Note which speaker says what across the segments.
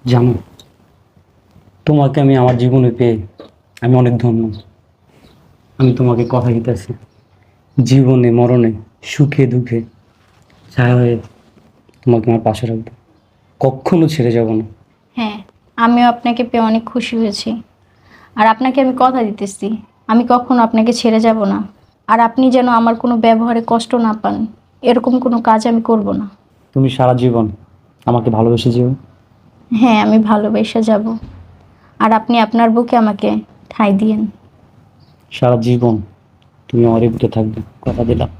Speaker 1: জানো, তোমাকে আমি আমার জীবনে পেয়ে আমি অনেক ধন্য। আমি তোমাকে কথা দিতেছি, জীবনে মরণে সুখে দুঃখে ছায়া হয়ে তোমাকে আমার পাশে রাখবো, কখনো ছেড়ে যাব না।
Speaker 2: হ্যাঁ, আমিও আপনাকে পেয়ে অনেক খুশি হয়েছি। আর আপনাকে আমি কথা দিতেছি, আমি কখনো আপনাকে ছেড়ে যাব না। আর আপনি যেন আমার কোনো ব্যবহারে কষ্ট না পান, এরকম কোনো কাজ আমি করব না।
Speaker 1: তুমি সারা জীবন আমাকে ভালোবেসে যেও।
Speaker 2: হ্যাঁ, আমি ভালোবেসে যাব। আর আপনি আপনার বুকে আমাকে ঠাঁই দিয়েন।
Speaker 1: সারা জীবন তুমি আমার বুকে থাকবে, কথা দিলাম।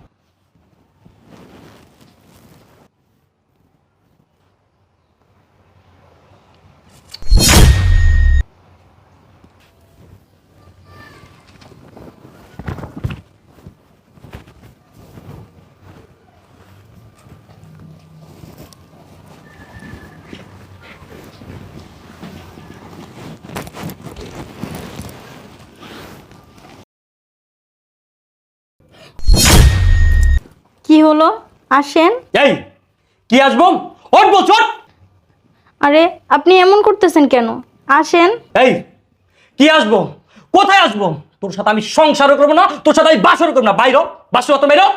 Speaker 2: কি হলো? আসেন।
Speaker 1: এই কি আসবো? ওঠ বছর।
Speaker 2: আরে আপনি এমন করতেছেন কেন? আসেন।
Speaker 1: এই কি আসবো? কোথায় আসবো? তোর সাথে আমি সংসারও করবো না, তোর সাথে আমি বাসরও করবো না। বাইরো, বাসর অত বাইরো।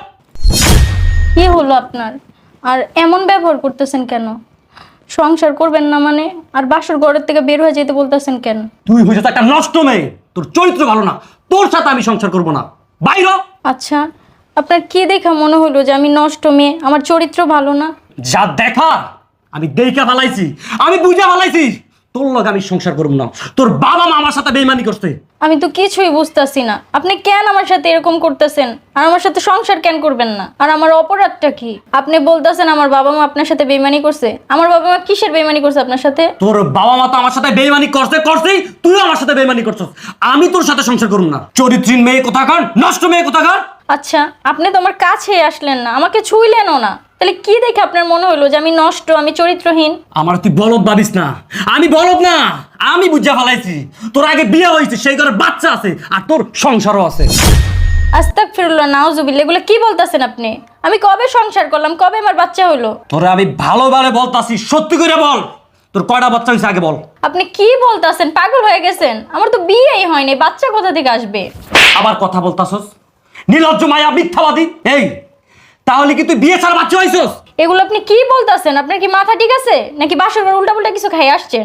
Speaker 2: কি হলো আপনার? আর এমন ব্যবহার করতেছেন কেন? সংসার করবেন না মানে? আর বাসর ঘরের থেকে বের হয়ে যেতে বলতেছেন কেন?
Speaker 1: তুই হয়েছে একটা নষ্ট মেয়ে, তোর চরিত্র ভালো না, তোর সাথে আমি সংসার করবো না। বাইরো।
Speaker 2: আচ্ছা, আপনার কি দেখা মনে হলো যে আমি নষ্ট মেয়ে, আমার চরিত্র ভালো না?
Speaker 1: যা দেখা আমি দেখা ফালাইছি, আমি বুঝা ফালাইছি। তোর লগে আমি সংসার করবো না। তোর বাবা মা আমার সাথে বেইমানি করছে।
Speaker 2: আমি তো কিছুই বুঝতাছি না, আপনি কেন আমার সাথে এরকম করতেছেন? আর আমার সাথে সংসার কেন করবেন না? আর আমার অপরাধটা কি? আপনি বলতেছেন আমার বাবা মা আপনার সাথে বেইমানি করছে। আমার বাবা মা কিসের বেইমানি করছে আপনার সাথে?
Speaker 1: তোর বাবা মা তো আমার সাথে বেইমানি করছেই, তুইও আমার সাথে বেইমানি করছিস। আমি তোর সাথে সংসার করবো না। চরিত্রহীন মেয়ে কোথাকার, নষ্ট মেয়ে কোথাকার।
Speaker 2: আচ্ছা, আপনি তো আমার কাছে আসলেন না, আমাকে ছুঁইলেনও না, তাহলে কি দেখে আপনার মনে হলো যে আমি নষ্ট, আমি চরিত্রহীন?
Speaker 1: আমার তুই বলদ ভাবিস না, আমি বলদ না। আমি বুঝা ফেলাইছি তোর আগে বিয়ে হয়েছে, সেই ঘরে বাচ্চা আছে, আর তোর সংসারও আছে।
Speaker 2: আস্তাগফিরুল্লাহ, নাউজুবিল্লাহ, এগুলো কি বলতেছেন আপনি? আমি কবে সংসার করলাম, কবে আমার বাচ্চা হলো?
Speaker 1: তোরে আমি ভালোভাবে বলতাছি, সত্যি করে বল, তোর কয়টা বাচ্চা হয়েছে আগে বল।
Speaker 2: আপনি কি বলতেছেন? পাগল হয়ে গেছেন? আমার তো বিয়েই হয়নি, বাচ্চা কোথা থেকে আসবে?
Speaker 1: আবার কথা বলতাছস, নির্লজ্জ মায়া, মিথ্যাবাদী। এই তাহলে কি তুই বিয়ে ছাড়া বাচ্চা হয়েছস?
Speaker 2: এগুলো আপনি কি বলতেছেন? আপনার কি মাথা ঠিক আছে নাকি বাসর ঘর উল্টা পুল্টা কিছু খাই আসছেন?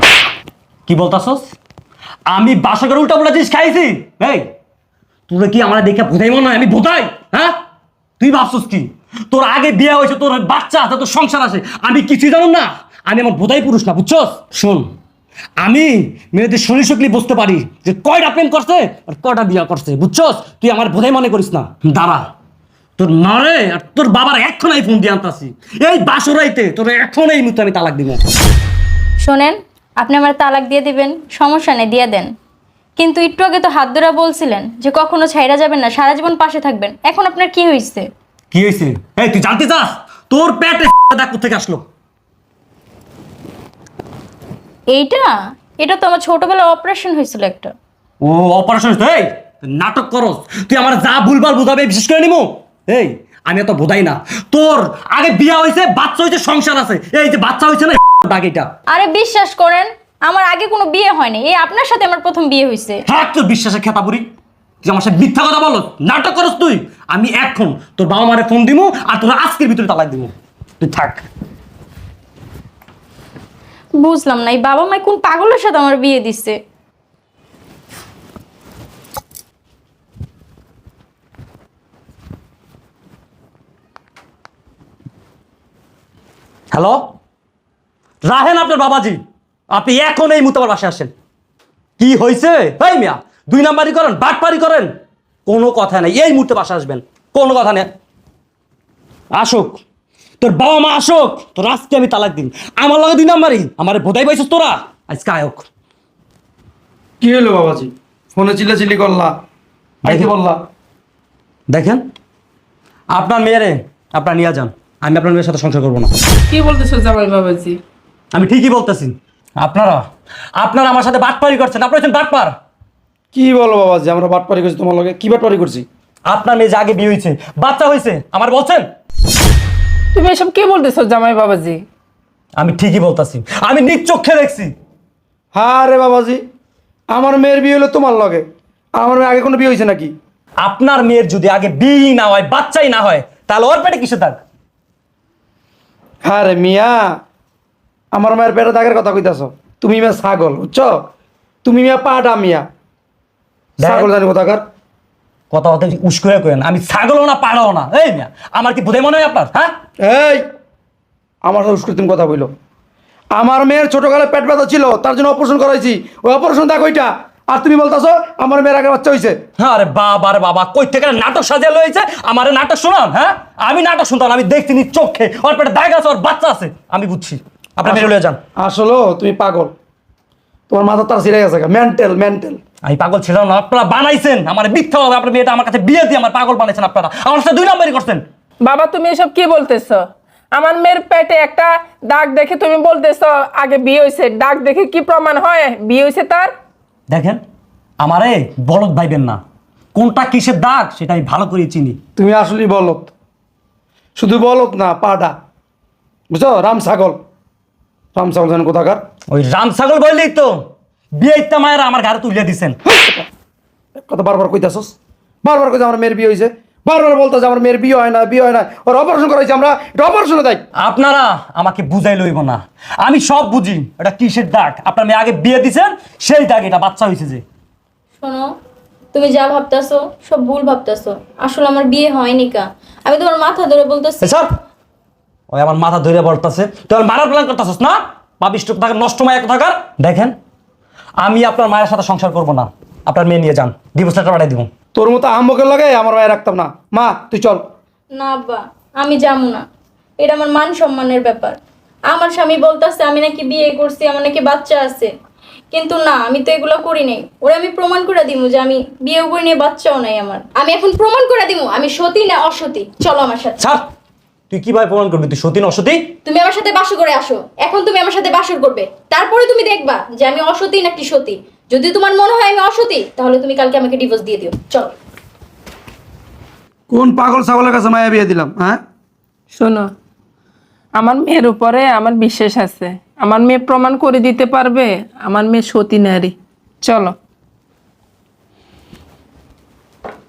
Speaker 1: কি বলতাছস? আমি বাসা করে উল্টা পুল্টা জিনিস খাইছি? এই তোরা কি আমার দেখে বোধাই মনে হয় আমি বোধাই? হ্যাঁ, তুই ভাবছস কি তোর আগে বিয়ে হয়েছে, তোর বাচ্চা আছে, তোর সংসার আছে, আমি কিছুই জানো না? আমি আমার বোধাই পুরুষ না, বুঝছস? শোন, আমি মেয়েদের শরীর শক্লি বুঝতে পারি যে কয়টা প্রেম করছে আর কয়টা বিয়ে করছে, বুঝছস? তুই আমার বোধাই মনে করিস না। দাঁড়া, তোর মারে আর তোর বাবার এখন এই ফোন দিয়ে আনতাছি, এই বাসরাইতে তোর এখন এই মুহূর্তে আমি তালাক দিব।
Speaker 2: শোনেন, আপনি আমার তালাক দিয়ে দিবেন, সমস্যা নেই, দিয়ে দেন। কিন্তু একটু আগে তো হাত ধরা বলছিলেন যে কখনো ছাইরা যাবেন না, সারা জীবন পাশে থাকবেন। এখন আপনার কি হয়েছে?
Speaker 1: কি হয়েছে? এই তুই জানতে চাস তোর পেটে দাগ কোথেকে আসলো?
Speaker 2: এইটা এটা তো আমার ছোটবেলায় অপারেশন হয়েছিল একটা।
Speaker 1: ও অপারেশন হয়েছে? এই তুই নাটক করস, তুই আমার যা ভুলভাল বুঝাবে বিশেষ করে নিমু। এই আমি এত বোধাই না। তোর আগে বিয়ে হয়েছে, বাচ্চা হয়েছে, সংসার আছে, এই যে বাচ্চা হয়েছে না দাগ এটা।
Speaker 2: আরে বিশ্বাস করেন, আমার আগে কোনো বিয়ে হয়নি, এই আপনার সাথে আমার প্রথম বিয়ে হয়েছে।
Speaker 1: থাক তোর বিশ্বাসের খেতাপুরি, তুই আমার সাথে মিথ্যা কথা বলো, নাটক করস তুই। আমি এখন তোর বাবা মারে ফোন দিমু আর তোর আজকের ভিতরে তালাক দিমু। তুই থাক।
Speaker 2: বুঝলাম না, এই বাবা মাই কোন পাগলের সাথে আমার বিয়ে দিচ্ছে।
Speaker 1: হ্যালো, রাহেন আপনার বাবাজি, আপনি এখন এই মুহূর্তে আমার বাসায় আসেন। কি হয়েছে? এই মিয়া, দুই নাম্বারি করেন, বাটপারি করেন, কোনো কথা নেই। এই মুহূর্তে বাসায় আসবেন, কোনো কথা নেই। আসুক তোর বাবা মা, আসুক, তোর আজকে আমি তালাক দিন। আমার লগে দুই নাম্বারি, আমার বোধাই পাইছিস তোরা, আজকে আয়ক।
Speaker 3: কি হলো বাবাজি? ফোনে চিল্লাচিল্লি করলা, কি বললা?
Speaker 1: দেখেন, আপনার মেয়েরে আপনার নিয়ে যান, আমি আপনার মেয়ের সাথে সংসার করবো না।
Speaker 4: কি বলতেছো জামাই বাবাজি?
Speaker 1: আমি ঠিকই বলতেছি। আপনারা আপনারা আমার সাথে বাটপারি করছেন, আপনারা হচ্ছেন বাটপার।
Speaker 3: কি বলো বাবাজি? আমরা বাটপারি করছি তোমার লগে? কি বাটপারি করছি?
Speaker 1: আপনার মেয়ে যে আগে বিয়ে হয়েছে, বাচ্চা হয়েছে, আমার বলছেন?
Speaker 4: তুমি এসব কি বলতেছো জামাই বাবাজি?
Speaker 1: আমি ঠিকই বলতাছি, আমি নিজ চোখে দেখছি।
Speaker 3: হ্যাঁ রে বাবাজি, আমার মেয়ের বিয়ে হলো তোমার লগে, আমার মেয়ে আগে কোনো বিয়ে হয়েছে নাকি?
Speaker 1: আপনার মেয়ের যদি আগে বিয়ে না হয়, বাচ্চাই না হয়, তাহলে ওর পেটে কিসে থাক?
Speaker 3: হ্যাঁ রে মিয়া, আমার মায়ের পেটে দাগের কথা কইতাছ। তুমি মিয়া ছাগল, বুঝছো? তুমি মিয়া পাটা মিয়া ছাগল, জানি কোথাকার।
Speaker 1: কথা কথা উস করে কেন? আমি ছাগলও না, পাড়াও না। এই মিয়া, আমার কি বোধহয় মনে হয় আপনার? হ্যাঁ,
Speaker 3: এই আমার সাথে উস্কুর তুমি কথা বইলো। আমার মেয়ের ছোটকালে পেট ব্যথা ছিল, তার জন্য অপারেশন করাইছি। ওই অপারেশন দেখো ওইটা, আর তুমি বলতাছো আমার মেয়ের আগে বাচ্চা হয়েছে।
Speaker 1: হ্যাঁ রে বাবা রে বাবা, কই থেকে নাটক সাজিয়ে লয়েছে আমার নাটক শোনান? হ্যাঁ, আমি নাটক শুনতাম, আমি দেখছি নিজ চোখে ওর পেটে দাগ আছে, ওর বাচ্চা আছে, আমি বুঝছি। আপনার মেরে লয়ে যান।
Speaker 3: আসলে তুমি পাগল, তোমার মাথা তার ছিঁড়ে গেছে, মেন্টাল মেন্টাল।
Speaker 1: আমি পাগল ছিলাম না, আপনারা বানাইছেন আমার মিথ্যা হবে। আপনার মেয়েটা আমার কাছে বিয়ে দিয়ে আমার পাগল বানাইছেন আপনারা, আমার সাথে 2 নম্বরই করছেন।
Speaker 4: বাবা তুমি এসব কি বলতেছো? আমার মেয়ের পেটে একটা দাগ দেখে তুমি বলতেছো আগে বিয়ে হয়েছে? দাগ দেখে কি প্রমাণ হয় বিয়ে হয়েছে তার?
Speaker 1: দেখেন, আমারে বলদ ভাইবেন না, কোনটা কিসের দাগ সেটা আমি ভালো করে চিনি।
Speaker 3: তুমি আসলেই বলত, শুধু বলত না, পাটা, বুঝছো? রাম ছাগল, রাম ছাগল জানেন কোথাকার।
Speaker 1: ওই রাম ছাগল বললেই তো বিয়ে ইত্যা মায়ের আমার ঘরে তুলে দিছেন।
Speaker 3: কথা বারবার কইতাছস, বারবার কইতে আমার মেয়ের বিয়ে হয়েছে, বারবার বলতেছে আমার মেয়ের বিয়ে হয় না, বিয়ে হয় না, ওর অপারেশন করাইছে, আমরা এটা অপারেশনে দেয়।
Speaker 1: আপনারা আমাকে বুঝাই লইব না, আমি সব বুঝি। এটা কিসের দাগ? আপনার মেয়ে আগে বিয়ে দিছেন, সেই দাগ এটা বাচ্চা হয়েছে যে।
Speaker 2: শোনো, তুমি যা ভাবতাছো সব ভুল ভাবতাছো। আসলে আমার বিয়ে হয়নি কা। আমি তোমার মাথা ধরে বলতেছি।
Speaker 1: স্যার, ওই আমার মাথা ধরে বলতেছে, তুই আমার মারার প্ল্যান করতেছিস না? পাবিষ্ট থাকার, নষ্ট মায়া থাকার। দেখেন, আমি আপনার মায়ের সাথে সংসার করব না, আপনার মেয়ে নিয়ে যান, ডিভোর্স লেটার পাঠিয়ে দিব।
Speaker 3: তোর মতো আহম্মকের লাগে আমার মায়ের রাখতাম না। মা তুই চল।
Speaker 2: না আব্বা, আমি যাবো না। এটা আমার মান সম্মানের ব্যাপার। আমার স্বামী বলতেছে আমি নাকি বিয়ে করছি, আমার নাকি বাচ্চা আছে, কিন্তু না, আমি তো এগুলো করি নাই। ওরা আমি প্রমাণ করে দিমু যে আমি বিয়েও করি নাই, বাচ্চাও নাই আমার। আমি এখন প্রমাণ করে দিমু আমি সতী না অসতী। চলো আমার সাথে।
Speaker 1: স্যার, তুই কিভাবে প্রমাণ করবি তুই সতী না অসতী?
Speaker 2: তুমি আমার সাথে বাসর করে আসো। এখন তুমি আমার সাথে বাসর করবে, তারপরে তুমি দেখবা যে আমি অসতী নাকি সতী। যদি তোমার মনে হয় আমি অসতী, তাহলে তুমি কালকে আমাকে ডিভোর্স দিয়ে দিও। চলো।
Speaker 3: কোন পাগল ছাগলের কাছে মায়া বিয়ে দিলাম? হ্যাঁ,
Speaker 4: শোনো, আমার মেয়ের উপরে আমার বিশ্বাস আছে। আমার মেয়ে প্রমাণ করে দিতে পারবে আমার মেয়ে সতী নারী। চলো।